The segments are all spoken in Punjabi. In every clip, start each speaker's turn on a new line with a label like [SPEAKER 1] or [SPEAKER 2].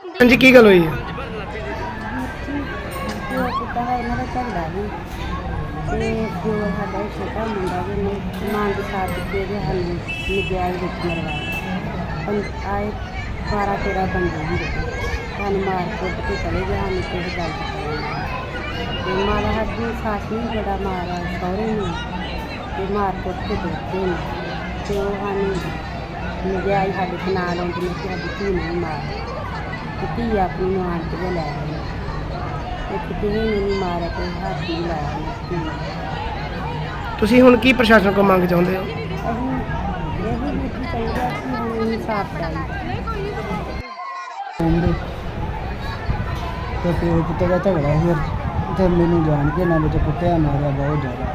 [SPEAKER 1] हाँ जी की गल हुई है?
[SPEAKER 2] ਇਹਨਾਂ ਦਾ ਝਗੜਾ ਸੀ ਤੇ ਜੋ ਸਾਡਾ ਛੋਟਾ ਮੁੰਡਾ ਜਿਹਨੇ ਮੰਗ ਸਾਥ ਕੇ ਦੇ ਸਾਨੂੰ ਨਜਾਇਜ਼ ਵਿੱਚ ਮਰਵਾਇਆ ਆਏ 12-13 ਬੰਦੇ ਹੁੰਦੇ ਸਾਨੂੰ ਮਾਰ ਕੁੱਟ ਕੇ ਚਲੇ ਗਏ ਸਾਨੂੰ ਕਿਸੇ ਗੱਲ ਤੇ ਮਾਰਾ ਸਾਡੀ ਸੱਸ ਨੂੰ ਬੜਾ ਮਾਰਾ ਸਹੁਰੇ ਨੂੰ ਤੇ ਮਾਰ ਕੁੱਟ ਕੇ ਦਿੱਤੇ ਨੇ ਤੇ ਉਹ ਸਾਨੂੰ ਨਜਾਇਜ਼ ਸਾਡੇ ਤੇ ਨਾਲ ਆਉਂਦੇ ਨੇ ਕਿ ਸਾਡੀ ਧੀ ਨੂੰ ਮਾਰ ਤੇ ਧੀ ਆਪਣੀ ਨੂੰ ਆਣ ਕੇ ਲੈ ਗਏ ਕਿਸੇ ਨੇ ਨਹੀਂ ਮਾਰਿਆ ਤੇ ਹੱਥ ਨਹੀਂ ਲਾਇਆ।
[SPEAKER 1] ਤੁਸੀਂ ਹੁਣ ਕੀ ਪ੍ਰਸ਼ਾਸਨ ਕੋਲ ਮੰਗ ਚਾਹੁੰਦੇ ਹੋ?
[SPEAKER 2] ਅਸੀਂ ਇਹ ਵੀ ਚਾਹੀਦਾ ਕਿ ਹੁਣ ਇਨਸਾਫ ਚਾਹੀਦਾ।
[SPEAKER 3] ਤੇ ਪਿਓ ਪੁੱਤ ਦਾ ਝਗੜਾ ਸੀ ਤੇ ਮੈਨੂੰ ਜਾਣ ਕੇ ਨਾ ਵਿੱਚ ਕੁੱਟਿਆ ਮਾਰਿਆ ਬਹੁਤ ਜ਼ਿਆਦਾ।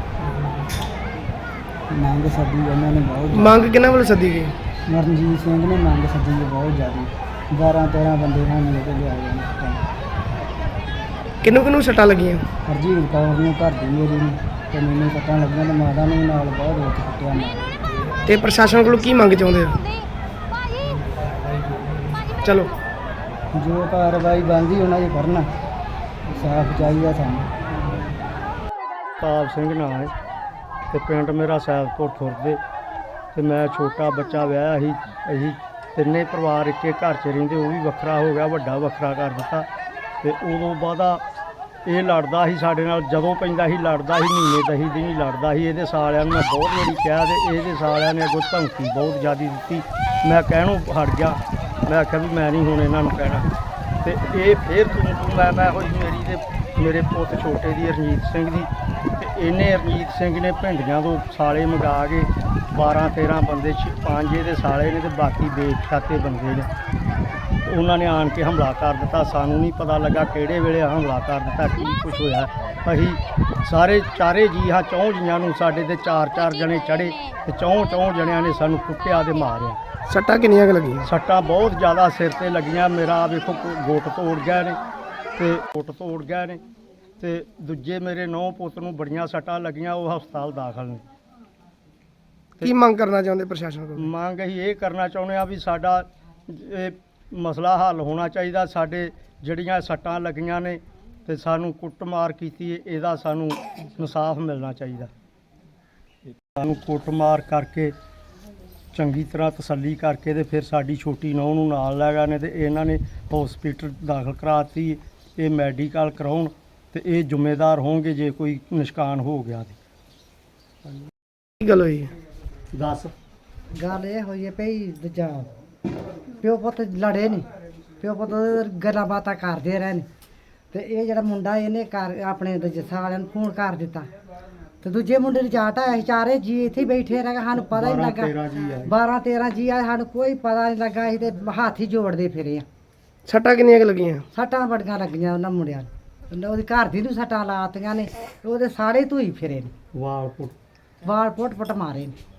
[SPEAKER 3] ਮੰਗ ਸੱਦੀ ਉਹਨਾਂ ਨੇ ਬਹੁਤ
[SPEAKER 1] ਮੰਗ ਕਿਹਨਾਂ ਵੱਲੋਂ ਸੱਦੀ ਗਈ?
[SPEAKER 3] ਮਰਨਜੀਤ ਸਿੰਘ ਨੇ ਮੰਗ ਸੱਦੀ ਬਹੁਤ ਜ਼ਿਆਦਾ 12-13 ਬੰਦੇ ਨਾਲ ਲੈ ਕੇ ਲਿਆ ਗਏ।
[SPEAKER 1] ਕਿਹਨੂੰ ਕਿਹਨੂੰ ਸੱਟਾਂ ਲੱਗੀਆਂ?
[SPEAKER 3] ਹਰਜੀਤ ਕੌਰ ਨੂੰ ਘਰ ਦੀ ਮੇਰੀ ਨੂੰ ਤੇ ਮੈਨੂੰ ਸੱਟਾਂ ਲੱਗੀਆਂ ਤੇ ਮਾਤਾ ਨੂੰ ਵੀ ਨਾਲ ਬਹੁਤ ਰੋਕ ਕੁੱਟਿਆ ਮਾਰਿਆ।
[SPEAKER 1] ਤੇ ਪ੍ਰਸ਼ਾਸਨ ਕੋਲੋਂ ਕੀ ਮੰਗ ਚਾਹੁੰਦੇ ਹੋ? ਚਲੋ
[SPEAKER 3] ਜੋ ਕਾਰਵਾਈ ਬਣਦੀ ਉਹਨਾਂ ਦੀ ਕਰਨਾ ਸਾਫ਼ ਚਾਹੀਦਾ ਸਾਨੂੰ। ਤਾਪ ਸਿੰਘ ਨਾਂ ਹੈ ਤੇ ਪਿੰਡ ਮੇਰਾ ਸੈਦਪੁਰ ਖੁਰਦੇ ਤੇ ਮੈਂ ਛੋਟਾ ਬੱਚਾ ਵਿਆਹਿਆ ਸੀ। ਅਸੀਂ ਤਿੰਨੇ ਪਰਿਵਾਰ ਇੱਕੇ ਘਰ 'ਚ ਰਹਿੰਦੇ, ਉਹ ਵੀ ਵੱਖਰਾ ਹੋ ਗਿਆ, ਵੱਡਾ ਵੱਖਰਾ ਕਰ ਦਿੱਤਾ। ਤੇ ਉਦੋਂ ਬਾਅਦ ਇਹ ਲੜਦਾ ਸੀ ਸਾਡੇ ਨਾਲ, ਜਦੋਂ ਪੈਂਦਾ ਸੀ ਲੜਦਾ ਸੀ, ਮਹੀਨੇ 10 ਦਿਨ ਹੀ ਲੜਦਾ ਸੀ। ਇਹਦੇ ਸਾਲਿਆਂ ਨੂੰ ਮੈਂ ਬਹੁਤ ਵਾਰੀ ਕਿਹਾ ਤੇ ਇਹਦੇ ਸਾਲਿਆਂ ਨੇ ਅੱਗੋਂ ਧਮਕੀ ਬਹੁਤ ਜ਼ਿਆਦਾ ਦਿੱਤੀ। ਮੈਂ ਕਹਿਣੋਂ ਹਟ ਗਿਆ, ਮੈਂ ਆਖਿਆ ਵੀ ਮੈਂ ਨਹੀਂ ਹੁਣ ਇਹਨਾਂ ਨੂੰ ਕਹਿਣਾ। ਤੇ ਇਹ ਫਿਰ ਤੂੰ ਮੈਂ ਹੋਈ ਮੇਰੀ ਤੇ ਮੇਰੇ ਪੁੱਤ ਛੋਟੇ ਦੀ ਰਣਜੀਤ ਸਿੰਘ ਦੀ ਤੇ ਇਹਨੇ ਰਣਜੀਤ ਸਿੰਘ ਨੇ ਭਿੰਡੀਆਂ ਤੋਂ ਸਾਲੇ ਮੰਗਾ ਕੇ 12-13 ਬੰਦੇ 5 ਇਹਦੇ ਸਾਲੇ ਨੇ ਤੇ ਬਾਕੀ ਬੇਖਾਤੇ ਬੰਦੇ ਨੇ ਉਹਨਾਂ ਨੇ ਆਣ ਕੇ ਹਮਲਾ ਕਰ ਦਿੱਤਾ। ਸਾਨੂੰ ਨਹੀਂ ਪਤਾ ਲੱਗਾ ਕਿਹੜੇ ਵੇਲੇ ਹਮਲਾ ਕਰ ਦਿੱਤਾ, ਕੀ ਕੁਛ ਹੋਇਆ। ਅਸੀਂ ਸਾਰੇ ਚਾਰੇ ਜੀ ਹਾਂ, 4 ਜੀਆਂ ਨੂੰ ਸਾਡੇ ਤੇ 4-4 ਜਣੇ ਚੜ੍ਹੇ ਤੇ 4 ਜਣਿਆਂ ਨੇ ਸਾਨੂੰ ਕੁੱਟਿਆ ਤੇ ਮਾਰਿਆ।
[SPEAKER 1] ਸੱਟਾਂ ਕਿੰਨੀਆਂ ਕੁ ਲੱਗੀਆਂ?
[SPEAKER 3] ਸੱਟਾਂ ਬਹੁਤ ਜ਼ਿਆਦਾ ਸਿਰ ਤੇ ਲੱਗੀਆਂ। ਮੇਰਾ ਵੇਖੋ ਗੁੱਟ ਤੋੜ ਗਏ ਨੇ ਤੇ ਦੂਜੇ ਮੇਰੇ 9 ਪੁੱਤ ਨੂੰ ਬੜੀਆਂ ਸੱਟਾਂ ਲੱਗੀਆਂ, ਉਹ ਹਸਪਤਾਲ ਦਾਖਲ ਨੇ।
[SPEAKER 1] ਕੀ ਮੰਗ ਕਰਨਾ ਚਾਹੁੰਦੇ ਪ੍ਰਸ਼ਾਸਨ ਕੋਲ?
[SPEAKER 3] ਮੰਗ ਅਸੀਂ ਇਹ ਕਰਨਾ ਚਾਹੁੰਦੇ ਹਾਂ ਵੀ ਸਾਡਾ ਇਹ ਮਸਲਾ ਹੱਲ ਹੋਣਾ ਚਾਹੀਦਾ। ਸਾਡੇ ਜਿਹੜੀਆਂ ਸੱਟਾਂ ਲੱਗੀਆਂ ਨੇ ਤੇ ਸਾਨੂੰ ਕੁੱਟਮਾਰ ਕੀਤੀ, ਇਹਦਾ ਸਾਨੂੰ ਇਨਸਾਫ ਮਿਲਣਾ ਚਾਹੀਦਾ। ਸਾਨੂੰ ਕੁੱਟਮਾਰ ਕਰਕੇ ਚੰਗੀ ਤਰ੍ਹਾਂ ਤਸੱਲੀ ਕਰਕੇ ਤੇ ਫਿਰ ਸਾਡੀ ਛੋਟੀ ਨੂੰਹ ਨੂੰ ਨਾਲ ਲੈ ਗਏ ਨੇ ਤੇ ਇਹਨਾਂ ਨੇ ਹਸਪੀਟਲ ਦਾਖਲ ਕਰਾਤੀ। ਇਹ ਮੈਡੀਕਲ ਕਰਾਉਣ ਤੇ ਇਹ ਜ਼ਿੰਮੇਦਾਰ ਹੋਣਗੇ ਜੇ ਕੋਈ ਨੁਕਸਾਨ ਹੋ ਗਿਆ ਤੇ।
[SPEAKER 1] ਕੀ ਗੱਲ ਹੋਈ ਹੈ?
[SPEAKER 3] ਦੱਸ।
[SPEAKER 4] ਗੱਲ ਇਹ ਹੋਈ ਹੈ ਭਈ ਦੂਜਾ ਪਿਓ ਪੁੱਤ ਲੜੇ ਨਹੀਂ, ਪਿਓ ਪੁੱਤ ਗੱਲਾਂ ਬਾਤਾਂ ਕਰਦੇ ਰਹੇ ਨੇ ਤੇ ਇਹ ਜਿਹੜਾ ਮੁੰਡਾ ਇਹਨੇ ਆਪਣੇ ਜੱਸਾ ਵਾਲਿਆਂ ਨੂੰ ਫੋਨ ਕਰ ਦਿੱਤਾ ਤੇ ਦੂਜੇ ਮੁੰਡੇ ਨੂੰ ਚਾਟ ਆਇਆ ਸੀ। ਚਾਰੇ ਜੀ ਇੱਥੇ ਹੀ ਬੈਠੇ ਰਹੇ, ਸਾਨੂੰ ਪਤਾ ਹੀ ਨਹੀਂ ਲੱਗਾ। 12-13 ਜੀ ਆ, ਸਾਨੂੰ ਕੋਈ ਪਤਾ ਨਹੀਂ ਲੱਗਾ। ਅਸੀਂ ਤੇ ਹੱਥ ਹੀ ਜੋੜਦੇ ਫਿਰੇ ਆ।
[SPEAKER 1] ਸੱਟਾਂ ਕਿੰਨੀਆਂ ਕੁ ਲੱਗੀਆਂ?
[SPEAKER 4] ਸੱਟਾਂ ਬੜੀਆਂ ਲੱਗੀਆਂ ਉਹਨਾਂ ਮੁੰਡਿਆਂ ਨੂੰ। ਉਹਦੀ ਘਰ ਦੀ ਨੂੰ ਸੱਟਾਂ ਲਾਤੀਆਂ ਨੇ, ਉਹਦੇ ਸਾਰੇ ਧੂਈ ਫਿਰੇ ਨੇ,
[SPEAKER 3] ਵਾਲ
[SPEAKER 4] ਵਾਲ ਪੁੱਟ ਮਾਰੇ ਨੇ।